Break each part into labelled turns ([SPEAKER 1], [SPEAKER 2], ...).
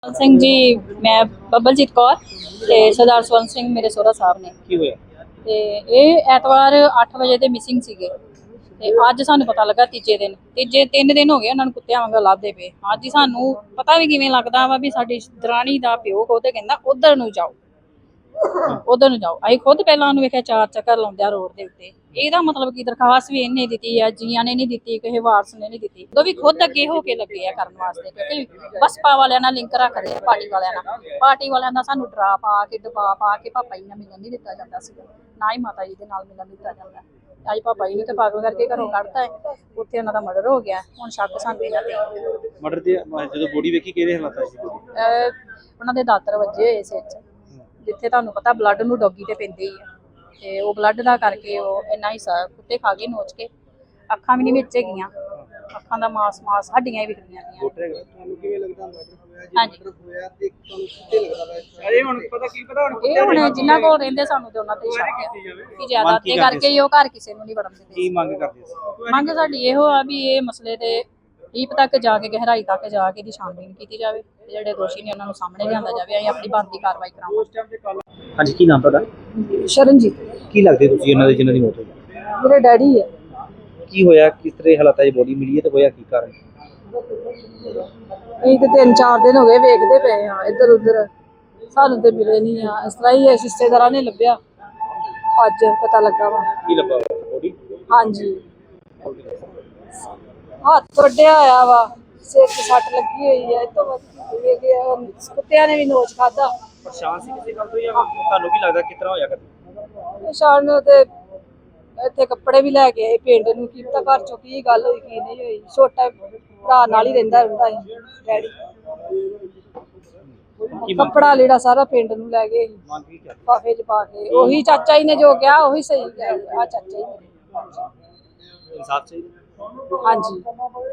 [SPEAKER 1] ਸਿੰਘ ਜੀ। ਮੈਂ ਬੱਬਲਜੀਤ ਕੌਰ ਤੇ ਸਰਦਾਰ ਸਵਰਨ ਸਿੰਘ ਮੇਰੇ ਸਹੁਰਾ ਸਾਹਿਬ ਨੇ।
[SPEAKER 2] ਕੀ ਹੋਇਆ?
[SPEAKER 1] ਤੇ ਇਹ ਐਤਵਾਰ 8 ਵਜੇ ਦੇ ਮਿਸਿੰਗ ਸੀਗੇ ਤੇ ਅੱਜ ਸਾਨੂੰ ਪਤਾ ਲੱਗਾ ਤੀਜੇ 3 ਦਿਨ ਹੋ ਗਏ ਉਹਨਾਂ ਨੂੰ ਕੁੱਤਿਆਂ ਵਾਂਗ ਲੱਭਦੇ ਪਏ। ਅੱਜ ਹੀ ਸਾਨੂੰ ਪਤਾ ਵੀ ਕਿਵੇਂ ਲੱਗਦਾ ਵਾ ਵੀ ਸਾਡੀ ਦਰਾਣੀ ਦਾ ਪਿਓ ਉਹਦੇ ਕਹਿੰਦਾ ਉਧਰ ਨੂੰ ਜਾਓ। ਅਸੀਂ ਖੁਦ ਪਹਿਲਾਂ ਉਹਨੂੰ ਵੇਖਿਆ 4 ਚੱਕਰ ਲਾਉਂਦਿਆ ਰੋਡ ਦੇ ਉੱਤੇ। ਇਹਦਾ ਮਤਲਬ ਕੀ ਦਰਖਾਸਤ ਵੀ ਇਹਨੇ ਦਿੱਤੀ ਆ, ਜੀਆਂ ਨੇ ਨਹੀਂ ਦਿੱਤੀ, ਕਿਸੇ ਵਾਰਸ ਨੇ ਨਹੀਂ ਦਿੱਤੀ। ਉਹ ਵੀ ਖੁਦ ਅੱਗੇ ਹੋ ਕੇ ਲੱਗੇ ਆ ਕਰਨ ਵਾਸਤੇ, ਕਿਉਂਕਿ ਬਸਪਾ ਵਾਲਿਆਂ ਨਾਲ ਲਿੰਕ ਰੱਖਦੇ ਆ ਪਾਰਟੀ ਵਾਲਿਆਂ ਨਾਲ। ਪਾਰਟੀ ਵਾਲਿਆਂ ਦਾ ਸਾਨੂੰ ਡਰਾ ਪਾ ਕੇ ਦਬਾ ਪਾ ਕੇ ਪਾਪਾ ਜੀ ਨਾਲ ਮਿਲਣ ਨਹੀਂ ਦਿੱਤਾ ਜਾਂਦਾ ਸੀਗਾ, ਨਾ ਹੀ ਮਾਤਾ ਜੀ ਦੇ ਨਾਲ ਮਿਲਣ ਦਿੱਤਾ ਜਾਂਦਾ। ਅੱਜ ਪਾਪਾ ਜੀ ਨੂੰ ਤੇ ਪਾਗਲ ਕਰਕੇ ਘਰੋਂ ਕੱਢਤਾ ਹੈ। ਉੱਥੇ ਉਹਨਾਂ ਦਾ ਮਰਡਰ ਹੋ ਗਿਆ। ਹੁਣ ਸ਼ੱਕ ਸਾਨੂੰ ਇਹਨਾਂ ਤੇ।
[SPEAKER 2] ਮਰਡਰ ਤੇ ਜਦੋਂ ਬੋਡੀ ਵੇਖੀ ਕਿਹੜੇ ਹਾਲਾਤਾਂ ਸੀ?
[SPEAKER 1] ਉਹਨਾਂ ਦੇ ਦਾਤਰ ਵੱਜੇ ਹੋਏ ਸਿਰ 'ਚ, ਜਿੱਥੇ ਤੁਹਾਨੂੰ ਪਤਾ ਬਲੱਡ ਨੂੰ ਡੋਗੀ ਤੇ ਪੈਂਦੇ ਹੀ ਆ, ਤੇ ਉਹ ਬਲੱਡ ਦਾ ਕਰਕੇ ਉਹ ਇੰਨਾ ਹਿੱਸਾ ਕੁੱਤੇ ਖਾ ਗਏ ਨੋਚ ਕੇ। ਅੱਖਾਂ ਵੀ ਨਹੀਂ ਵਿੱਚ ਹੈਗੀਆਂ, ਅੱਖਾਂ ਦਾ ਮਾਸ ਹੱਡੀਆਂ ਹੀ ਵਿਖਰੀਆਂ ਗਈਆਂ।
[SPEAKER 2] ਤੁਹਾਨੂੰ ਕਿਵੇਂ ਲੱਗਦਾ
[SPEAKER 1] ਹਾਂਜੀ,
[SPEAKER 2] ਹੋਇਆ ਤੇ ਤੁਹਾਨੂੰ ਕਿੱਥੇ ਲੱਗਦਾ ਵਾ? ਅਰੇ ਹੁਣ ਪਤਾ
[SPEAKER 1] ਇਹ ਹੁਣ ਜਿਨ੍ਹਾਂ ਕੋਲ ਰਹਿੰਦੇ ਸਾਨੂੰ ਤੇ ਉਹਨਾਂ ਤੇ ਸ਼ੱਕ ਆ ਕਿ ਜ਼ਿਆਦਾ ਤੇ ਕਰਕੇ ਹੀ ਉਹ ਘਰ ਕਿਸੇ ਨੂੰ ਨਹੀਂ ਵੜਨ ਦਿੰਦੇ।
[SPEAKER 2] ਕੀ ਮੰਗ ਕਰਦੇ ਸੀ?
[SPEAKER 1] ਮੰਗ ਸਾਡੀ ਇਹੋ ਆ ਵੀ ਇਹ ਮਸਲੇ ਤੇ ਡੀਪ ਤੱਕ ਜਾ ਕੇ, ਗਹਿਰਾਈ ਤੱਕ ਜਾ ਕੇ ਦੀ ਛਾਣਬੀਣ ਕੀਤੀ ਜਾਵੇ ਤੇ ਜਿਹੜੇ ਦੋਸ਼ੀ ਨੇ ਉਹਨਾਂ ਨੂੰ ਸਾਹਮਣੇ ਲਿਆਂਦਾ ਜਾਵੇ। ਅਸੀਂ ਆਪਣੀ ਬਣਦੀ ਕਾਰਵਾਈ ਕਰਾਵਾਂਗੇ।
[SPEAKER 2] ਹਾਂਜੀ, ਕੀ ਨਾਮ ਤੁਹਾਡਾ?
[SPEAKER 1] ਸ਼ਰਨਜੀਤ
[SPEAKER 2] ਕੀ ਲੱਗਦੇ ਤੁਸੀਂ ਉਹਨਾਂ ਦੇ ਜਿਨ੍ਹਾਂ ਦੀ ਮੌਤ ਹੋਈ?
[SPEAKER 1] ਮੇਰੇ ਡੈਡੀ ਹੈ।
[SPEAKER 2] ਕੀ ਹੋਇਆ? ਕਿਸ ਤਰ੍ਹਾਂ ਹਾਲਾਤਾਂ 'ਚ ਬੋਡੀ ਮਿਲੀ ਹੈ ਤੇ ਹੋਇਆ ਕੀ ਕਾਰਨ?
[SPEAKER 1] ਅਸੀਂ ਤੇ 3-4 ਦਿਨ ਹੋ ਗਏ ਵੇਖਦੇ ਪਏ ਹਾਂ ਇੱਧਰ ਉੱਧਰ, ਸਾਨੂੰ ਤੇ ਮਿਲੇ ਨਹੀਂ ਆ। ਇਸ ਤਰ੍ਹਾਂ ਹੀ ਰਿਸ਼ਤੇਦਾਰਾਂ ਨੇ ਲੱਭਿਆ, ਅੱਜ ਪਤਾ ਲੱਗਾ ਵਾ।
[SPEAKER 2] ਕੀ ਲੱਭਾ ਬੋਡੀ?
[SPEAKER 1] ਹਾਂਜੀ, ਹੱਥ ਵੱਢਿਆ ਹੋਇਆ ਵਾ, ਸਿਰ 'ਚ ਸੱਟ ਲੱਗੀ ਹੋਈ ਹੈ। ਇੱਥੋਂ ਕੁੱਤਿਆਂ ਨੇ ਵੀ ਨੋਚ ਖਾਧਾ।
[SPEAKER 2] ਪਰੇਸ਼ਾਨ ਸੀ ਕਿਸੇ ਗੱਲ ਤੋਂ ਜਾਂ ਤੁਹਾਨੂੰ ਕੀ ਲੱਗਦਾ ਕਿਸ ਤਰ੍ਹਾਂ ਹੋਇਆ? ਕਦੇ
[SPEAKER 1] ਸ਼ਾਨ ਨੂੰ ਤੇ ਇੱਥੇ ਕੱਪੜੇ ਵੀ ਲੈ ਕੇ ਆਏ ਪਿੰਡ ਨੂੰ, ਕੀ ਪਤਾ ਘਰ ਚੋਂ ਕੀ ਗੱਲ ਹੋਈ ਕੀ ਨਹੀਂ ਹੋਈ। ਛੋਟਾ ਭਰਾ ਨਾਲ ਹੀ ਰਹਿੰਦਾ ਸੀ ਡੈਡੀ। ਕੱਪੜਾ ਲੀੜਾ ਸਾਰਾ ਪਿੰਡ ਨੂੰ ਲੈ ਗਏ ਲਿਫਾਫੇ 'ਚ ਪਾ ਕੇ। ਉਹੀ ਚਾਚਾ ਜੀ ਨੇ ਜੋ ਕਿਹਾ ਉਹੀ ਸਹੀ ਕਿਹਾ। ਆ ਚਾਚਾ ਜੀ
[SPEAKER 2] ਇਨਸਾਫ ਚਾਹੀਦਾ।
[SPEAKER 1] ਹਾਂਜੀ।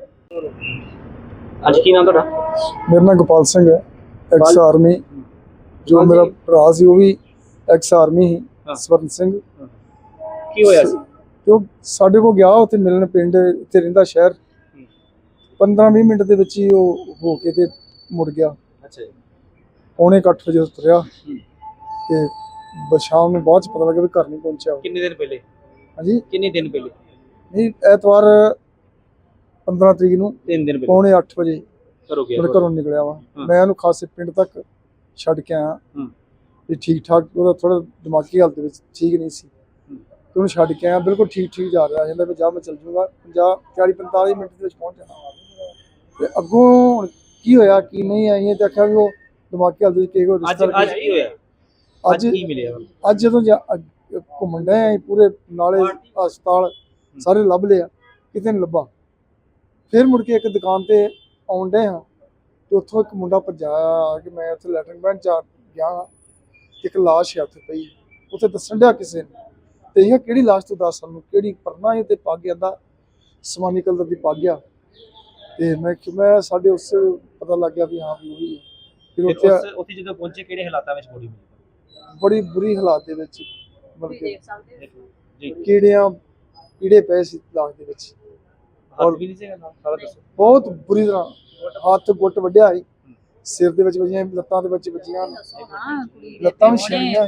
[SPEAKER 2] ਅੱਜ ਕੀ ਨਾਮ ਤੁਹਾਡਾ?
[SPEAKER 3] ਮੇਰਾ ਨਾਮ ਗੋਪਾਲ ਸਿੰਘ ਹੈ, ਐਕਸ ਆਰਮੀ। ਜੋ ਮੇਰਾ ਭਰਾ ਸੀ ਉਹ ਵੀ ਐਕਸ ਆਰਮੀ ਸੀ, ਸਵਰਨ ਸਿੰਘ।
[SPEAKER 2] ਕੀ ਹੋਇਆ ਸੀ?
[SPEAKER 3] ਤੇ ਉਹ ਸਾਡੇ ਕੋਲ ਗਿਆ ਉੱਥੇ ਮਿਲਣ, ਪਿੰਡ ਇੱਥੇ ਰਹਿੰਦਾ ਸ਼ਹਿਰ। 15-20 ਮਿੰਟ ਦੇ ਵਿੱਚ ਹੀ ਉਹ ਹੋ ਕੇ ਤੇ ਮੁੜ ਗਿਆ।
[SPEAKER 2] ਅੱਛਾ ਜੀ।
[SPEAKER 3] ਪੌਣੇ 8 ਵਜੇ ਤੁਰਿਆ ਤੇ ਸ਼ਾਮ ਨੂੰ ਬਾਅਦ ਚ ਪਤਾ ਲੱਗਾ ਵੀ ਘਰ ਨਹੀਂ ਪਹੁੰਚਿਆ।
[SPEAKER 2] ਕਿੰਨੇ ਦਿਨ ਪਹਿਲੇ?
[SPEAKER 3] ਹਾਂਜੀ,
[SPEAKER 2] ਕਿੰਨੇ ਦਿਨ ਪਹਿਲੇ?
[SPEAKER 3] ਨਹੀਂ, ਐਤਵਾਰ 15 ਤਰੀਕ ਨੂੰ
[SPEAKER 2] 3 ਦਿਨ ਪਹਿਲੇ
[SPEAKER 3] ਪੌਣੇ 8 ਵਜੇ
[SPEAKER 2] ਗਿਆ
[SPEAKER 3] ਘਰੋਂ ਨਿਕਲਿਆ ਵਾ। ਮੈਂ ਉਹਨੂੰ ਖਾਸੇ ਪਿੰਡ ਤੱਕ ਛੱਡ ਕੇ ਆਇਆ ਵੀ ਠੀਕ ਠਾਕ। ਉਹਦਾ ਥੋੜਾ ਦਿਮਾਗੀ ਹਾਲਤ ਵਿੱਚ ਠੀਕ ਨਹੀਂ ਸੀ ਤੇ ਉਹਨੂੰ ਛੱਡ ਕੇ ਆਇਆ। ਬਿਲਕੁਲ ਠੀਕ ਜਾ ਰਿਹਾ ਜਾਂਦਾ ਵੀ ਜਾ ਮੈਂ ਚੱਲ ਜੂੰਗਾ 40-45 ਮਿੰਟ ਦੇ ਵਿੱਚ ਪਹੁੰਚ ਜਾਣਾ। ਤੇ ਅੱਗੋਂ ਹੁਣ ਕੀ ਹੋਇਆ ਕੀ ਨਹੀਂ ਆਈ ਤੇ ਆਖਿਆ ਵੀ ਉਹ ਦਿਮਾਗੀ ਹਾਲਤ ਵਿੱਚ ਕਿਹੋ
[SPEAKER 2] ਅੱਜ ਕੀ ਹੋਇਆ? ਅੱਜ ਕੀ ਮਿਲਿਆ?
[SPEAKER 3] ਅੱਜ ਜਦੋਂ ਘੁੰਮਣ ਡਏ ਪੂਰੇ ਨਾਲੇ ਹਸਪਤਾਲ ਸਾਰੇ ਲੱਭ ਲਿਆ, ਕਿਤੇ ਨਹੀਂ ਲੱਭਾ। ਫਿਰ ਮੁੜ ਕੇ ਇੱਕ ਦੁਕਾਨ ਤੇ ਆਉਣ ਡਏ ਹਾਂ ਤੇ ਉੱਥੋਂ ਇੱਕ ਮੁੰਡਾ ਭੱਜਾ ਆ ਕਿ ਮੈਂ ਉੱਥੇ ਲੈਟਰਿੰਗ ਬੈਂਡ ਚ ਗਿਆ, ਇੱਕ ਲਾਸ਼ ਹੈ ਉੱਥੇ ਪਈ। ਉੱਥੇ ਦੱਸਣ ਡਿਆ ਕਿਸੇ ਨੇ ਤੇ ਇਹ ਕਿਹੜੀ ਲਾਸ਼ ਤੋਂ ਦੱਸ ਸਾਨੂੰ, ਕਿਹੜੀ ਪਰਨਾ ਹੀ ਤੇ ਪੱਗ ਜਾਂਦਾ ਸਮਾਨੀ ਕਲਰ ਦੀ ਪੱਗ ਆ। ਤੇ ਮੈਂ ਸਾਡੇ ਉਸ ਪਤਾ ਲੱਗ ਗਿਆ ਵੀ ਹਾਂ ਵੀ ਉਹੀ ਹੈ। ਫਿਰ
[SPEAKER 2] ਉੱਥੇ ਜਦੋਂ ਪਹੁੰਚੇ ਕਿਹੜੇ ਹਾਲਾਤਾਂ ਵਿੱਚ ਬੋਡੀ ਮਿਲੀ?
[SPEAKER 3] ਬੜੀ ਬੁਰੀ ਹਾਲਾਤ ਦੇ ਵਿੱਚ, ਬਲਕਿ
[SPEAKER 2] ਜੀ
[SPEAKER 3] ਕੀੜੇ ਪਏ ਸੀ ਲਾਸ਼ ਦੇ ਵਿੱਚ।
[SPEAKER 2] ਔਰ ਵੀ ਨਹੀਂ ਸੀ ਸਾਰਾ ਦੱਸੋ।
[SPEAKER 3] ਬਹੁਤ ਬੁਰੀ ਤਰ੍ਹਾਂ ਹੱਥ ਗੁੱਟ ਵੱਢਿਆ ਸੀ, ਸਿਰ ਦੇ ਵਿੱਚ ਵੱਜੀਆਂ, ਲੱਤਾਂ ਦੇ ਵਿੱਚ ਵੱਜੀਆਂ, ਲੱਤਾਂ ਵੀ ਛਿੱਲੀਆਂ,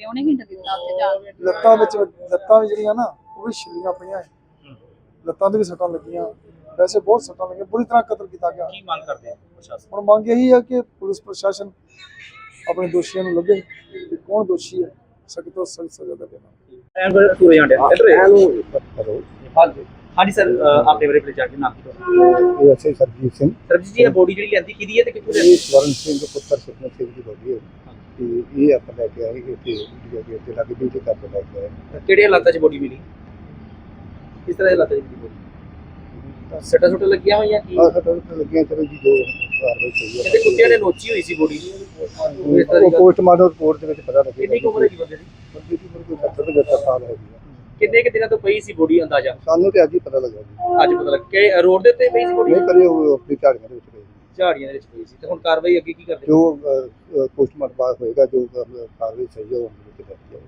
[SPEAKER 3] ਲੱਤਾਂ ਵੀ ਜਿਹੜੀਆਂ ਨਾ ਉਹ ਵੀ ਛਿੱਲੀਆਂ ਪਈਆਂ, ਲੱਤਾਂ ਤੇ ਵੀ ਸੱਟਾਂ ਲੱਗੀਆਂ। ਵੈਸੇ ਬਹੁਤ ਸੱਟਾਂ ਲੱਗੀਆਂ, ਬੁਰੀ ਤਰ੍ਹਾਂ ਕਤਲ ਕੀਤਾ ਗਿਆ।
[SPEAKER 2] ਕੀ ਮੰਗ ਕਰਦੇ ਆ ਪ੍ਰਸ਼ਾਸਨ?
[SPEAKER 3] ਹੁਣ ਮੰਗ ਇਹੀ ਹੈ ਕਿ ਪੁਲਿਸ ਪ੍ਰਸ਼ਾਸਨ ਆਪਣੇ ਦੋਸ਼ੀਆਂ ਨੂੰ ਲੱਭੇ ਕਿ ਕੌਣ ਦੋਸ਼ੀ ਹੈ, ਸਖਤ ਤੋਂ ਸਖਤ ਸਜ਼ਾ ਦੇਵੇ।
[SPEAKER 2] ਹਾਂਜੀ ਸਰ, ਆਪਣੇ ਬਾਰੇ ਪਲੀਜ਼ ਜਾਣਕਾਰੀ ਨਾਮ?
[SPEAKER 3] ਇਹ ਐਸਏ ਸਰਜੀਤ ਸਿੰਘ।
[SPEAKER 2] ਸਰਜੀਤ ਜੀ, ਇਹ ਬੋਡੀ ਜਿਹੜੀ ਲੈਂਦੀ ਕਿਹਦੀ ਹੈ ਤੇ ਕਿੱਥੋਂ ਲੈਂਦੀ?
[SPEAKER 3] ਇਹ ਸਵਰਨ ਸਿੰਘ ਦੇ ਪੁੱਤਰ ਸੁਖਮਨ ਸਿੰਘ ਦੀ ਬੋਡੀ ਹੈ ਤੇ ਇਹ ਆਪਾਂ ਲੈ ਕੇ ਆਏ ਇੱਥੇ ਇੱਥੇ ਲੱਗੇ ਵੀ ਤੇ ਕਰ ਲੈ ਕੇ ਆਏ।
[SPEAKER 2] ਕਿਹੜੇ ਹਾਲਾਤਾਂ 'ਚ ਬੋਡੀ ਮਿਲੀ? ਕਿਸ ਤਰ੍ਹਾਂ ਦੇ ਹਾਲਾਤਾਂ 'ਚ ਮਿਲੀ ਬੋਡੀ? ਸੱਟਾਂ ਸੁੱਟਾਂ ਲੱਗੀਆਂ ਹੋਈਆਂ ਕੀ?
[SPEAKER 3] ਆਹ ਸੱਟਾਂ ਲੱਗੀਆਂ, ਚਲੋ ਜੀ ਜੋ ਕਾਰਵਾਈ ਸਹੀ ਹੈ।
[SPEAKER 2] ਤੇ ਕੁੱਤਿਆਂ ਨੇ ਨੋਚੀ ਹੋਈ ਸੀ ਬੋਡੀ।
[SPEAKER 3] ਉਹ ਪੋਸਟਮਾਰਟਮ ਰਿਪੋਰਟ ਦੇ ਵਿੱਚ ਪਤਾ ਲੱਗੇਗਾ।
[SPEAKER 2] ਕਿੰਨੀ ਕੁ ਉਮਰ ਹੈ ਜੀ ਬੰਦੇ ਦੀ?
[SPEAKER 3] ਬੰਦੇ ਦੀ ਉਮਰ ਕੋਈ 70-75 ਸਾਲ ਹੈਗੀ ਹੈ।
[SPEAKER 2] ਕਿੰਨੇ ਕਿ ਦਿਨਾਂ ਤੋਂ ਪਈ ਸੀ ਬੋਡੀ ਅੰਦਾਜ਼ਾ?
[SPEAKER 3] ਸਾਨੂੰ ਤੇ ਅੱਜ ਹੀ ਪਤਾ ਲੱਗਾ ਜੀ।
[SPEAKER 2] ਅੱਜ ਪਤਾ ਲੱਗ ਕਿ ਰੋਡ ਦੇ ਉੱਤੇ ਪਈ ਸੀ ਬੋਡੀ?
[SPEAKER 3] ਨਹੀਂ ਕਰੇ ਉਹ ਆਪਣੀ ਝਾੜੀਆਂ ਦੇ ਵਿੱਚ ਪਈ।
[SPEAKER 2] ਝਾੜੀਆਂ ਦੇ ਵਿੱਚ ਪਈ ਸੀ। ਤੇ ਹੁਣ ਕਾਰਵਾਈ ਅੱਗੇ ਕੀ ਕਰਦੇ?
[SPEAKER 3] ਜੋ ਪੋਸਟਮਾਰਟਮ ਬਾਅਦ ਹੋਏਗਾ, ਜੋ ਕਾਰਵਾਈ ਸਹੀ ਹੈ ਉਹ